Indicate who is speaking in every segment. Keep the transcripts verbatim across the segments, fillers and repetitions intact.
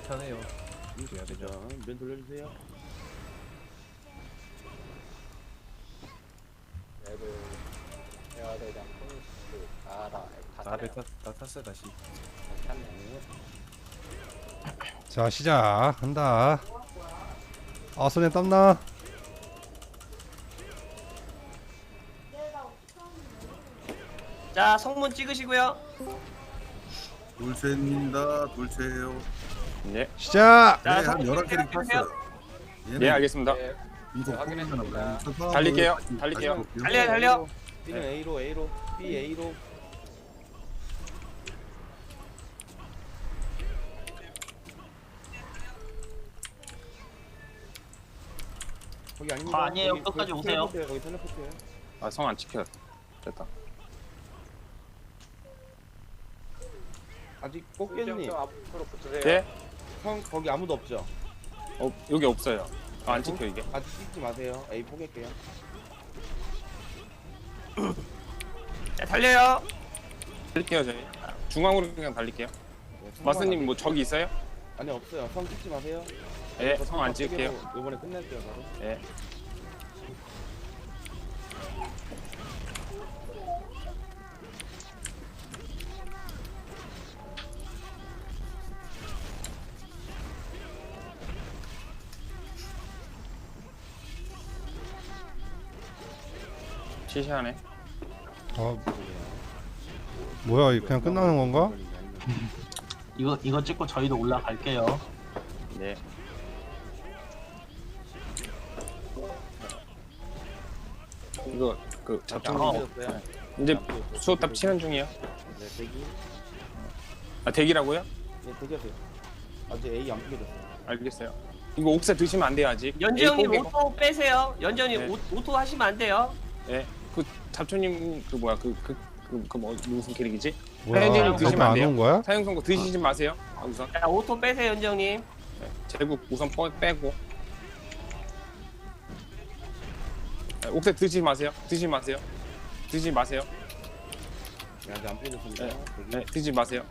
Speaker 1: 괜찮아요. 돼야 되죠.
Speaker 2: 면 돌려주세요.
Speaker 3: 얘를 해야 되지 않고 알아 다
Speaker 1: 다
Speaker 3: 타네요.
Speaker 1: 다, 다 탔어요 다시.
Speaker 3: 탔네.
Speaker 4: 자 시작한다. 아 손에 땀나.
Speaker 5: 자, 성문 찍으시고요.
Speaker 6: 돌체입니다. 돌체예요.
Speaker 7: 네,
Speaker 4: 시작.
Speaker 6: 네,
Speaker 5: 자,
Speaker 6: 한 열한 캐릭
Speaker 5: 찍으세요.
Speaker 6: 탔어요.
Speaker 7: 네 알겠습니다.
Speaker 3: 네,
Speaker 6: 인속
Speaker 3: 네, 확인했습니다.
Speaker 6: 포기하나
Speaker 7: 달릴게요.
Speaker 6: 다시
Speaker 7: 달릴게요.
Speaker 6: 볼게요.
Speaker 5: 달려요, 달려.
Speaker 2: B는 A로, A로, B A로. 거기 아닙니다.
Speaker 8: 아, 아니에요.
Speaker 2: 거기,
Speaker 8: 끝까지
Speaker 2: 거기
Speaker 8: 오세요.
Speaker 2: 텔레포트예요, 거기 텔레포트예요.
Speaker 7: 아, 성 안 지켜. 됐다.
Speaker 2: 아직
Speaker 3: 좀
Speaker 2: 꽃게님,
Speaker 3: 앞으로 붙으세요.
Speaker 7: 예?
Speaker 2: 형 거기 아무도 없죠?
Speaker 7: 어, 여기 없어요. 아, 안 찍혀 이게.
Speaker 2: 아직 찍지 마세요. A 포기할게요.
Speaker 5: 자, 달려요.
Speaker 7: 달릴게요 저희. 중앙으로 그냥 달릴게요.
Speaker 2: 네,
Speaker 7: 마스님 뭐 저기 있어요?
Speaker 2: 아니 없어요. 성 찍지 마세요.
Speaker 7: 예, 성 안 찍을게요.
Speaker 2: 이번에 끝낼게요 바로.
Speaker 7: 예. 시시하네.
Speaker 4: 아 뭐야 이거 그냥 끝나는 건가?
Speaker 8: 이거 이거 찍고 저희도 올라갈게요.
Speaker 7: 네. 이거 그 잡종
Speaker 8: 어.
Speaker 2: 안
Speaker 7: 이제 수호탑 치는 중이에요.
Speaker 2: 네 대기.
Speaker 7: 아 대기라고요?
Speaker 2: 네 대기하세요. 아직 A 안 포기됐어요.
Speaker 7: 알겠어요. 이거 옥새 드시면 안 돼요 아직.
Speaker 5: 연지
Speaker 7: 에이,
Speaker 5: 형님
Speaker 7: 포기-
Speaker 5: 오토 빼세요. 연전이
Speaker 7: 네.
Speaker 5: 오, 오토 하시면 안 돼요.
Speaker 7: 예. 그 잡초님 그 뭐야 그 그 그 그 뭐 무슨 캐릭이지?
Speaker 4: 뭐야
Speaker 7: 사연님
Speaker 4: 거기
Speaker 7: 드시면 안
Speaker 4: 안
Speaker 7: 돼요.
Speaker 4: 온 거야?
Speaker 7: 사용 선고 드시지 마세요. 아, 우선
Speaker 5: 자, 오토 빼세요, 연지 형님.
Speaker 7: 네. 제국 우선 빼, 빼고. 네, 옥새 드시지 마세요. 드시지 마세요. 드시지 마세요.
Speaker 2: 네, 아직 안 포기됐습니다.
Speaker 7: 네.
Speaker 2: 대기.
Speaker 7: 네, 드시지 마세요.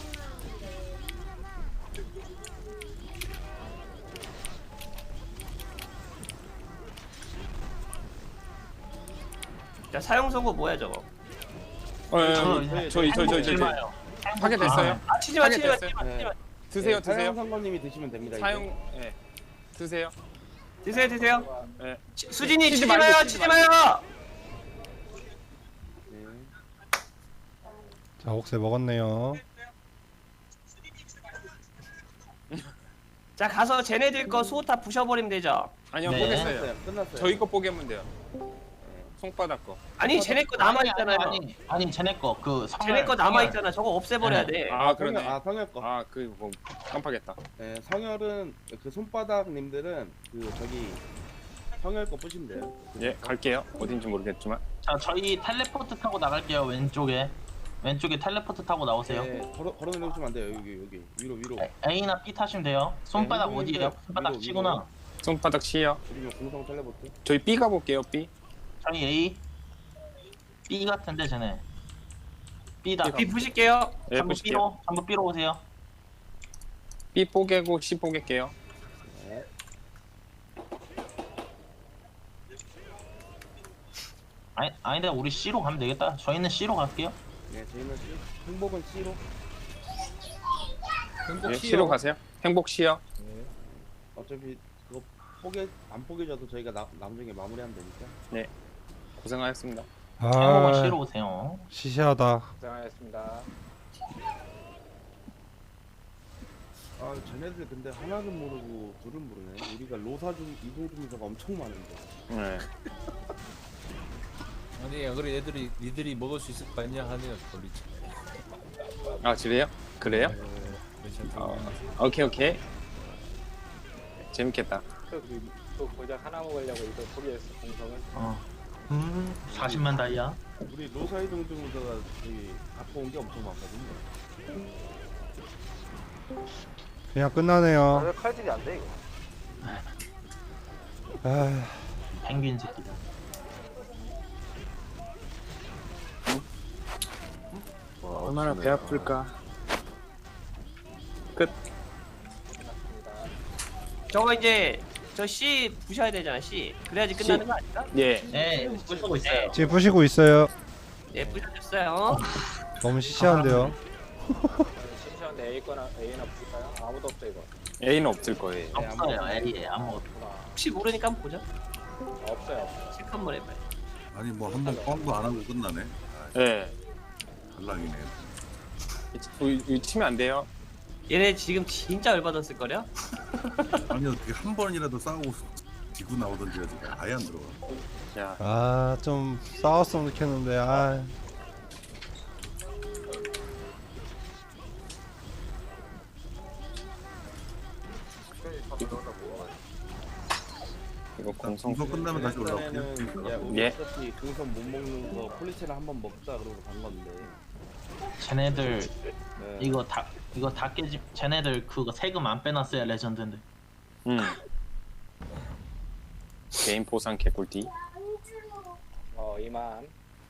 Speaker 5: 자, 사용 선고 뭐야 저거?
Speaker 7: 어, 예,
Speaker 8: 저-
Speaker 7: 예, 저희 저희 저희 저희
Speaker 8: 마요.
Speaker 7: 파괴됐어요.
Speaker 5: 아, 치지 마, 치지 마,
Speaker 7: 됐어요.
Speaker 5: 치지 마, 치지 마.
Speaker 7: 드세요,
Speaker 2: 네,
Speaker 7: 드세요.
Speaker 2: 사용 상관님이 드시면 됩니다.
Speaker 7: 사용, 예, 드세요.
Speaker 5: 드세요, 드세요.
Speaker 7: 예.
Speaker 5: 치- 수진이
Speaker 7: 치지
Speaker 5: 치지
Speaker 7: 말고,
Speaker 5: 마요,
Speaker 7: 치지
Speaker 5: 치지 마요.
Speaker 2: 이제. 네.
Speaker 4: 자 옥새 먹었네요.
Speaker 5: 자, 가서 쟤네들 거 수호탑 부셔버리면 되죠.
Speaker 7: 아니요,
Speaker 8: 네.
Speaker 7: 보겠어요.
Speaker 2: 끝났어요. 끝났어요.
Speaker 7: 저희 거 뽀개면 돼요. 손바닥 거.
Speaker 5: 아니, 쟤네 거 남아있잖아요.
Speaker 8: 아니 아니, 아니 쟤네 거그
Speaker 5: 쟤네 거 남아있잖아. 저거 없애버려야
Speaker 8: 네.
Speaker 5: 돼.
Speaker 7: 아, 그러네.
Speaker 2: 아 성열 거.
Speaker 7: 아, 그 뭐 깜빡했다.
Speaker 2: 네, 성열은 그 손바닥님들은 그 저기 성열 거 부시면 돼요.
Speaker 7: 예, 갈게요. 어딘지 모르겠지만.
Speaker 8: 자 저희 텔레포트 타고 나갈게요. 왼쪽에 왼쪽에 텔레포트 타고 나오세요.
Speaker 2: 네, 걸어 걸어 내려오시면 안 돼요. 여기 여기 위로 위로.
Speaker 8: 에- A나 B 타시면 돼요. 손바닥
Speaker 2: 네,
Speaker 8: 어디에요?
Speaker 2: 위로,
Speaker 8: 손바닥
Speaker 2: 위로.
Speaker 8: 치구나.
Speaker 7: 손바닥 치요.
Speaker 2: 그리고 공성 텔레포트.
Speaker 7: 저희 B 가볼게요. B.
Speaker 8: 저희 A B 같은데 쟤네 B다.
Speaker 5: B 부실게요.
Speaker 7: 예,
Speaker 8: 전부
Speaker 7: 보실게요.
Speaker 8: B로 전부 B로 오세요.
Speaker 7: B 뽀개고 C 뽀갤게요.
Speaker 2: 네.
Speaker 8: 아니 아닌데 우리 C로 가면 되겠다. 저희는 C로 갈게요.
Speaker 2: 네, 저희는 C, 행복은 C로.
Speaker 1: 행복
Speaker 7: 예,
Speaker 1: 시요.
Speaker 7: C로 가세요. 행복 C요.
Speaker 1: 네.
Speaker 2: 어차피 그거 포개 안 포개져도 저희가 나, 나중에 마무리하면 되니까.
Speaker 7: 고생하셨습니다.
Speaker 8: 행복은
Speaker 4: 아
Speaker 8: C로 오세요.
Speaker 4: 시시하다.
Speaker 3: 고생하셨습니다.
Speaker 2: 아, 쟤네들 근데 하나는 모르고 둘은 모르네. 우리가 로사 중 이동 중에서가 엄청 많은데.
Speaker 7: 네.
Speaker 1: 아니, 그래 애들이 니들이 먹을 수 있을 거 아니야 하네요. 돌리지.
Speaker 7: 아, 그래요? 그래요?
Speaker 1: 네, 괜찮다.
Speaker 7: 어, 오케이 오케이. 재밌겠다.
Speaker 3: 또, 그, 또 고작 하나 먹으려고 이거 포기했어 공성은.
Speaker 8: 어. 음 사십만 다이아.
Speaker 2: 우리 로사 이동 중에서가 저기 갖고 온 게 엄청 많거든요.
Speaker 4: 그냥 끝나네요.
Speaker 3: 왜 칼질이 안 돼 이거?
Speaker 4: 아
Speaker 8: 펭귄 새끼다.
Speaker 7: 얼마나 배 아플까. 끝.
Speaker 5: 저거 이제 저 C 부셔야 되잖아 C. 그래야지 끝나는 거 아닐까?
Speaker 7: 예.
Speaker 8: 네, 부수고 있어요.
Speaker 4: 지금 부시고 있어요.
Speaker 5: 예 부셔줬어요.
Speaker 4: 너무 시시한데요.
Speaker 3: 심시한데 A 거나 A나 붙일까요? 아무도 없죠 이거.
Speaker 7: A는 없을 거예요.
Speaker 8: 없어요. A에 아무것도.
Speaker 3: 없구나.
Speaker 5: 혹시 모르니까 한번 보자.
Speaker 3: 없어요. 없어요.
Speaker 5: 체크 한번 해봐요.
Speaker 6: 아니 뭐 한 번 뻥도 안 하고 끝나네.
Speaker 7: 예.
Speaker 6: 달랑이네.
Speaker 7: 이, 이 치면 안 돼요.
Speaker 5: 얘네 지금 진짜 열받았을 거려.
Speaker 6: 아니 어떻게 한 번이라도 싸우고 지고 나오던지 해야지 아예 안 들어가.
Speaker 7: 야,
Speaker 4: 아, 좀 싸웠으면 좋겠는데, 아.
Speaker 7: 이거 공성.
Speaker 6: 이거 끝나면 다시 올라올게요.
Speaker 2: 일단에는 야 우리
Speaker 7: 예.
Speaker 2: 어차피 등선 못 먹는 거 폴리체를 한번 먹자 그러고 간 건데.
Speaker 8: 쟤네들
Speaker 2: 네.
Speaker 8: 이거 다 이거 다 깨지. 쟤네들 그거 세금 안 빼놨어야 레전드인데.
Speaker 7: 음. 개인 보상 개꿀띠.
Speaker 3: 어 이만.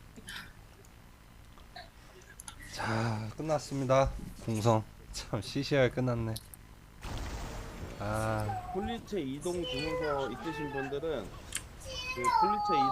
Speaker 4: 자, 끝났습니다. 공성. 참 시시하게 끝났네. 아.
Speaker 2: 폴리체 이동 주문서 있으신 분들은 그 폴리체